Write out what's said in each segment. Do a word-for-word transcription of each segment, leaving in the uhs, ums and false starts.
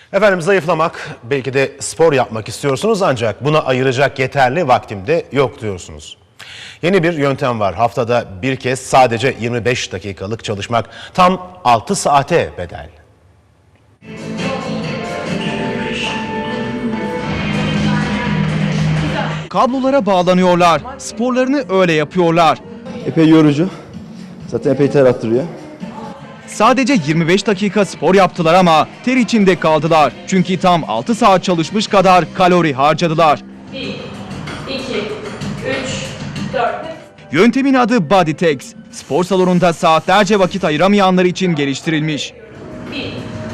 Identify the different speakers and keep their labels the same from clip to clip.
Speaker 1: Efendim zayıflamak, belki de spor yapmak istiyorsunuz ancak buna ayıracak yeterli vaktim de yok diyorsunuz. Yeni bir yöntem var. Haftada bir kez sadece yirmi beş dakikalık çalışmak tam altı saate bedel.
Speaker 2: Kablolara bağlanıyorlar, sporlarını öyle yapıyorlar.
Speaker 3: Epey yorucu. Zaten epey ter attırıyor.
Speaker 2: Sadece yirmi beş dakika spor yaptılar ama ter içinde kaldılar. Çünkü tam altı saat çalışmış kadar kalori harcadılar.
Speaker 4: bir, iki, üç, dört.
Speaker 2: Yöntemin adı BodyTex. Spor salonunda saatlerce vakit ayıramayanlar için geliştirilmiş.
Speaker 4: bir,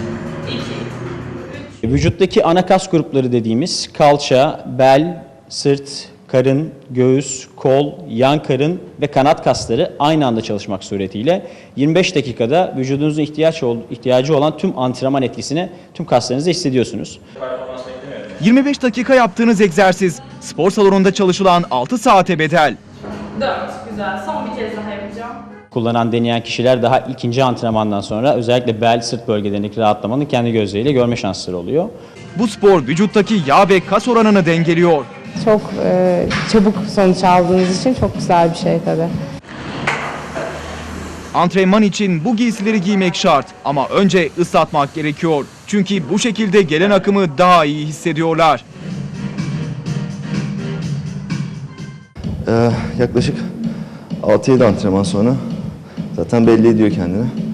Speaker 4: iki,
Speaker 5: Vücuttaki ana kas grupları dediğimiz kalça, bel, sırt, karın, göğüs, kol, yan karın ve kanat kasları aynı anda çalışmak suretiyle yirmi beş dakikada vücudunuzun ihtiyaç ihtiyacı olan tüm antrenman etkisini tüm kaslarınızda hissediyorsunuz.
Speaker 2: yirmi beş dakika yaptığınız egzersiz spor salonunda çalışılan altı saate bedel.
Speaker 4: dört. Güzel. Son bir kez daha yapacağım.
Speaker 5: Kullanan, deneyen kişiler daha ikinci antrenmandan sonra özellikle bel, sırt bölgelerindeki rahatlamanın kendi gözleriyle görme şansları oluyor.
Speaker 2: Bu spor vücuttaki yağ ve kas oranını dengeliyor.
Speaker 6: Çok e, çabuk sonuç aldığınız için çok güzel bir şey tabii.
Speaker 2: Antrenman için bu giysileri giymek şart ama önce ıslatmak gerekiyor. Çünkü bu şekilde gelen akımı daha iyi hissediyorlar.
Speaker 3: Ee, yaklaşık altı yedi antrenman sonra zaten belli ediyor kendini.